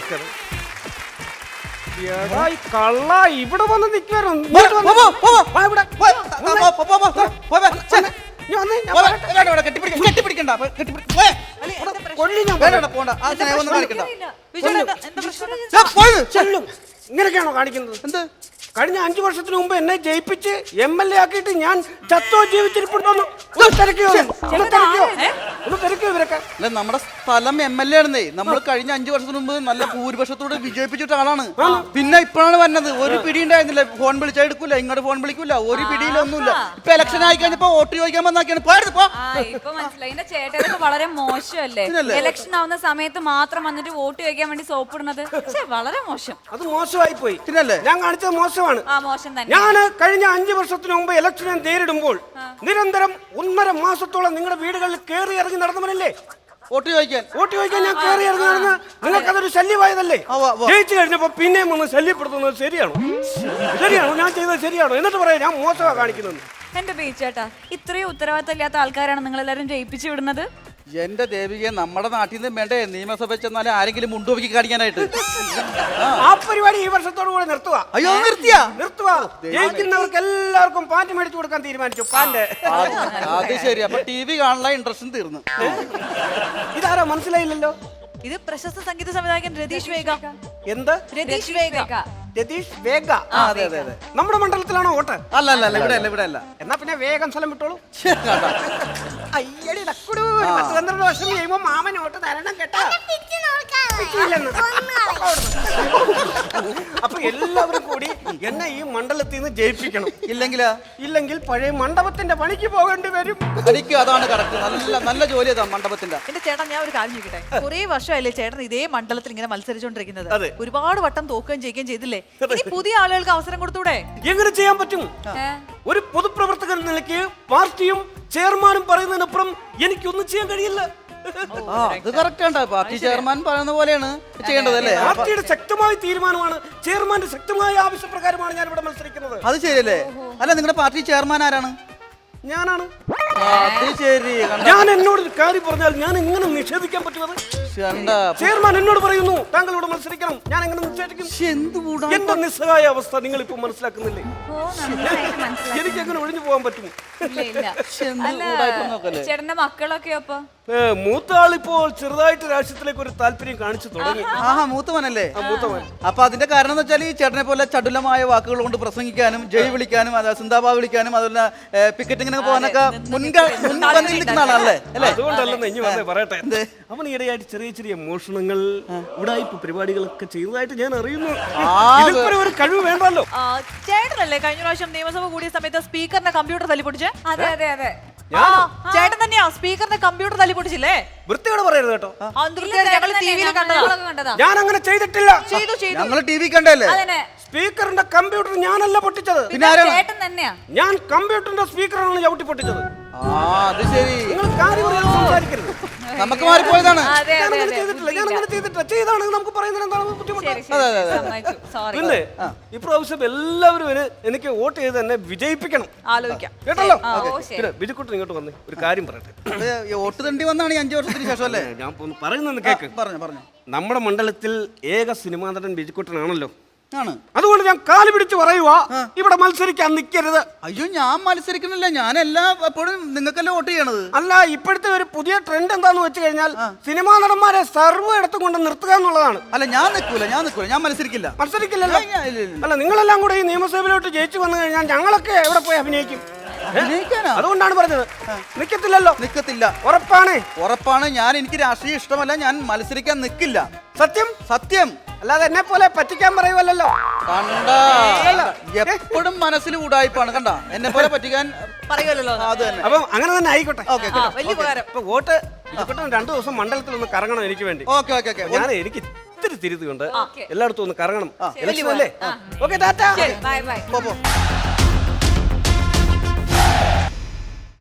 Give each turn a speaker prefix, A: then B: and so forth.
A: നമസ്കാരം. എടാ ഈ കള്ള ഇവിടെ വന്ന് നിൽക്കുവായിരുന്നു. ഇങ്ങനെയൊക്കെയാണോ കാണിക്കുന്നത്? എന്ത് കഴിഞ്ഞ 5 വർഷത്തിന് മുമ്പ് എന്നെ ജയിപ്പിച്ച് MLA ആക്കിയിട്ട് ഞാൻ ചത്തോ ജീവിച്ചിരിപ്പുണ്ടോന്ന് ഇവരൊക്കെ.
B: നമ്മുടെ സ്ഥലം MLA ആണെന്നേ. നമ്മൾ കഴിഞ്ഞ 5 വർഷത്തിന് മുമ്പ് നല്ല ഭൂരിപക്ഷത്തോട് വിജയിപ്പിച്ചിട്ട ആളാണ്. പിന്നെ ഇപ്പോഴാണ് വന്നത്. ഒരു പിടി ഉണ്ടായിരുന്നില്ല. ഫോൺ വിളിച്ചാൽ എടുക്കൂല, ഇങ്ങോട്ട് ഫോൺ വിളിക്കൂല, ഒരു പിടിയിലൊന്നുമില്ല. ഇപ്പൊ ഇലക്ഷൻ ആയി കഴിഞ്ഞപ്പോ വോട്ട് ചോദിക്കാൻ വന്നാക്കിയാണ്
C: ചേട്ടനൊക്കെ വളരെ മോശമല്ലേ? ഇലക്ഷൻ ആവുന്ന സമയത്ത് മാത്രം വന്നിട്ട് വോട്ട് ചോദിക്കാൻ വേണ്ടി സോപ്പ് ഇടുന്നത് വളരെ മോശം.
A: അത് മോശമായി പോയി. ഞാൻ കാണിച്ചത് മോശമാണ്. ഞാൻ കഴിഞ്ഞ 5 വർഷത്തിന് മുമ്പ് ഇലക്ഷനെ നേരിടുമ്പോൾ നിരന്തരം 1.5 മാസത്തോളം നിങ്ങളുടെ വീടുകളിൽ കയറി ഇറങ്ങി നടന്നവനല്ലേ
B: വോട്ട് ചോദിക്കാൻ
A: ഞാൻ കയറി ഇറങ്ങി നടന്ന് നിങ്ങൾക്കതൊരു ശല്യമായതല്ലേ? ജയിച്ചു കഴിഞ്ഞപ്പോ പിന്നെയും ഒന്ന് ശല്യപ്പെടുത്തുന്നത് ശരിയാണോ? ഞാൻ ചെയ്തത് ശരിയാണോ? എന്നിട്ട് പറയാം ഞാൻ മോശമാണ് കാണിക്കുന്നത്.
C: എന്റെ ബീച്ചേട്ടാ, ഇത്രയും ഉത്തരവാദിത്തം ഇല്ലാത്ത ആൾക്കാരാണ് നിങ്ങൾ എല്ലാരും ജയിപ്പിച്ചു വിടുന്നത്.
B: എന്റെ ദേവികയെ നമ്മുടെ നാട്ടിൽ നിന്ന് വേണ്ടേ നിയമസഭ ചെന്നാലും ആരെങ്കിലും മുണ്ടുപോക്കി കാണിക്കാനായിട്ട്?
A: ആ പരിപാടി ഈ വർഷത്തോടു കൂടെ നിർത്തുക.
B: അയ്യോ
A: നിർത്തുക. ജയിക്കുന്നവർക്ക് എല്ലാവർക്കും പാന്റ് മേടിച്ചു കൊടുക്കാൻ തീരുമാനിച്ചു. പാന്റ്.
B: അത് ശരി. അപ്പൊ TV കാണാനുള്ള ഇൻട്രസ്റ്റും തീർന്നു.
A: ഇതാരോ മനസ്സിലായില്ലല്ലോ.
C: ഇത് പ്രശസ്ത സംഗീത സംവിധായകൻ രതീഷ് വേഗ.
A: എന്ത്?
C: രതീഷ് വേഗ.
A: രതീഷ് വേഗ.
B: അതെ അതെ അതെ.
A: നമ്മുടെ മണ്ഡലത്തിലാണോ വോട്ട്?
B: അല്ല ഇവിടെ അല്ല.
A: എന്നാ പിന്നെ വേഗം സ്ഥലം വിട്ടോളൂ. അയ്യടി ഡക്കുടു. 10-12 വർഷം കഴിയുമ്പോ മാമൻ വോട്ട് തരണം കേട്ടോ. അപ്പൊ എല്ലാവരും കൂടി എന്നെ ഈ മണ്ഡലത്തിൽ നിന്ന് ജയിപ്പിക്കണം. ഇല്ലെങ്കിൽ പഴയ മണ്ഡപത്തിന്റെ പണിക്ക് പോകേണ്ടി വരും.
D: അതാണ് കറക്റ്റ്. നല്ല ജോലി അതാ മണ്ഡപത്തിന്റെ.
E: എന്റെ ചേട്ടൻ, ഞാൻ ഒരു കാര്യം ചോദിക്കട്ടെ. കുറെ വർഷമല്ലേ ചേട്ടൻ ഇതേ മണ്ഡലത്തിൽ ഇങ്ങനെ മത്സരിച്ചോണ്ടിരിക്കുന്നത്? ഒരുപാട് വട്ടം തോക്കുകയും ജയിക്കുകയും ചെയ്തില്ലേ? ഇനി പുതിയ ആളുകൾക്ക് അവസരം കൊടുത്തൂടെ?
A: എങ്ങനെ ചെയ്യാൻ പറ്റും? ഒരു പൊതുപ്രവർത്തകൻ നിലയ്ക്ക് പാർട്ടിയും ചെയർമാനും പറയുന്നതിനപ്പുറം എനിക്കൊന്നും ചെയ്യാൻ കഴിയില്ല.
B: അത് കറക്റ്റ്. പാർട്ടി ചെയർമാൻ പറയുന്ന പോലെയാണ് ചെയ്യേണ്ടത് അല്ലേ?
A: പാർട്ടിയുടെ ശക്തമായ തീരുമാനമാണ്, ചെയർമാന്റെ ശക്തമായ ആവശ്യപ്രകാരമാണ് ഞാൻ ഇവിടെ മത്സരിക്കുന്നത്.
B: അത് ശരിയല്ലേ? അല്ല, നിങ്ങളുടെ പാർട്ടി ചെയർമാൻ ആരാണ്?
A: ഞാനാണ്.
B: അത് ശരി.
A: ഞാൻ എന്നോട് ഒരു കാര്യം പറഞ്ഞാൽ ഞാൻ എങ്ങനെ നിഷേധിക്കാൻ പറ്റുന്നത്? ചെയർമാൻ എന്നോട് പറയുന്നു താങ്കൾ ഇവിടെ മത്സരിക്കണം, ഞാൻ എങ്ങനെ നിഷേധിക്കും? എന്റെ നിസ്സഹായ അവസ്ഥ നിങ്ങൾ ഇപ്പൊ മനസ്സിലാക്കുന്നില്ലേ? എനിക്ക് എങ്ങനെ ഒഴിഞ്ഞു പോകാൻ പറ്റും?
C: ചേട്ടന്റെ മക്കളൊക്കെ അപ്പൊ
A: മൂത്ത ആളിപ്പോൾ ചെറുതായിട്ട് രാഷ്ട്രീയത്തിലേക്ക് ഒരു താല്പര്യം കാണിച്ചു തുടങ്ങി.
B: മൂത്തവനല്ലേ? മൂത്തവൻ. അപ്പൊ അതിന്റെ കാരണം എന്ന് വെച്ചാൽ ഈ ചേട്ടനെ പോലെ ചടുലമായ വാക്കുകൾ കൊണ്ട് പ്രസംഗിക്കാനും ജയ് വിളിക്കാനും സിന്ദാബാദ് വിളിക്കാനും അതുപോലെ പിക്കറ്റിങ്ങിനൊക്കെ പോകാനൊക്കെ മുൻപന്തിൽ നിൽക്കുന്ന ആളല്ലേ?
A: അതുകൊണ്ടല്ലെന്ന് ഇനി വന്നേ പറയട്ടെ. അവൻ ഈയിടെയായിട്ട് ചെറിയ മോഷണങ്ങൾ ഉടായിപ്പ് പരിപാടികളൊക്കെ ചെയ്തതായിട്ട് ഞാൻ അറിയുന്നു. ഒരു കഴിവ് വേണ്ടല്ലോ.
E: ചേട്ടനല്ലേ കഴിഞ്ഞ പ്രാവശ്യം നിയമസഭ കൂടിയ സമയത്ത് സ്പീക്കറിന്റെ കമ്പ്യൂട്ടർ തല്ലിപ്പൊടിച്ചേ?
C: അതെ അതെ അതെ.
E: ചേട്ടൻ തന്നെയാ സ്പീക്കറിന്റെ കമ്പ്യൂട്ടർ തല്ലിപ്പൊടിച്ചില്ലേ?
A: വൃത്തിയോട് പറയരുത് കേട്ടോ. ഞാൻ അങ്ങനെ ചെയ്തിട്ടില്ല.
B: ഞങ്ങൾ TV കണ്ടല്ലേ?
A: സ്പീക്കറിന്റെ കമ്പ്യൂട്ടർ ഞാനല്ല പൊട്ടിച്ചത്.
C: ചേട്ടൻ തന്നെയാ.
A: ഞാൻ കമ്പ്യൂട്ടറിന്റെ സ്പീക്കറാണ് ചവിട്ടി പൊട്ടിച്ചത്.
B: അത് ശരി.
A: നിങ്ങൾ കാര്യം സംസാരിക്കരുത്.
B: നമുക്ക് മാറിപ്പോയതാണ്.
A: ചെയ്താണെങ്കിൽ നമുക്ക് പറയുന്നത് എന്താണ് ബുദ്ധിമുട്ട്? പിന്നെ ഇപ്രാവശ്യം എല്ലാവരും എനിക്ക് വോട്ട് ചെയ്ത് തന്നെ വിജയിപ്പിക്കണം.
E: ആലോചിക്കാം
A: കേട്ടല്ലോ? പിന്നെ ബിജുക്കുട്ടൻ ഇങ്ങോട്ട് വന്ന് ഒരു കാര്യം പറയട്ടെ.
B: വോട്ട് തണ്ടി വന്നാണ് 5 വർഷത്തിന് ശേഷം അല്ലേ?
A: ഞാൻ പറയുന്നത് കേക്ക്.
B: പറഞ്ഞു.
A: നമ്മുടെ മണ്ഡലത്തിൽ ഏക സിനിമാ നടൻ ബിജുക്കുട്ടനാണല്ലോ.
B: ആണ്.
A: അതുകൊണ്ട് ഞാൻ കാല് പിടിച്ച് പറയുവാ, ഇവിടെ മത്സരിക്കാൻ നിൽക്കരുത്.
B: അയ്യോ, ഞാൻ മത്സരിക്കുന്നില്ല. ഞാൻ എപ്പോഴും നിങ്ങൾക്കല്ലേ വോട്ട് ചെയ്യണത്.
A: അല്ല, ഇപ്പോഴത്തെ ഒരു പുതിയ ട്രെൻഡ് എന്താന്ന് വെച്ച് കഴിഞ്ഞാൽ സിനിമാ നടന്മാരെ സർവ്വ ഇടത്ത് കൊണ്ട് നിർത്തുക എന്നുള്ളതാണ്.
B: അല്ല, ഞാൻ നിൽക്കൂല. ഞാൻ
A: മത്സരിക്കില്ലല്ലോ. അല്ല, നിങ്ങളെല്ലാം കൂടെ ഈ നിയമസഭയിലോട്ട് ജയിച്ചു വന്നു കഴിഞ്ഞാൽ ഞങ്ങളൊക്കെ എവിടെ പോയി അഭിനയിക്കും? അതുകൊണ്ടാണ് പറഞ്ഞത്. നിക്കത്തില്ല.
B: ഉറപ്പാണ്. എനിക്ക് രാഷ്ട്രീയം ഇഷ്ടമല്ല. ഞാൻ മത്സരിക്കാൻ നിൽക്കില്ല.
A: സത്യം. അല്ലാതെ എന്നെ പോലെ പറ്റിക്കാൻ പറയുമല്ലോ.
B: കണ്ട, എപ്പോഴും മനസ്സിൽ ഉടായിപ്പാണ്. കണ്ട, എന്നെ പോലെ പറ്റിക്കാൻ പറയുമല്ലോ. അത് തന്നെ.
A: അപ്പം അങ്ങനെ തന്നെ ആയിക്കോട്ടെ.
E: വലിയ ഉപകാരം.
A: വോട്ട് 2 ദിവസം മണ്ഡലത്തിൽ ഒന്ന് കറങ്ങണം എനിക്ക് വേണ്ടി. ഞാൻ എനിക്ക് ഇത്തിരി തിരുത്തുകൊണ്ട് എല്ലായിടത്തും ഒന്ന് കറങ്ങണം. ഇലക്ഷൻ അല്ലേ? Okay, tata.
C: Bye by.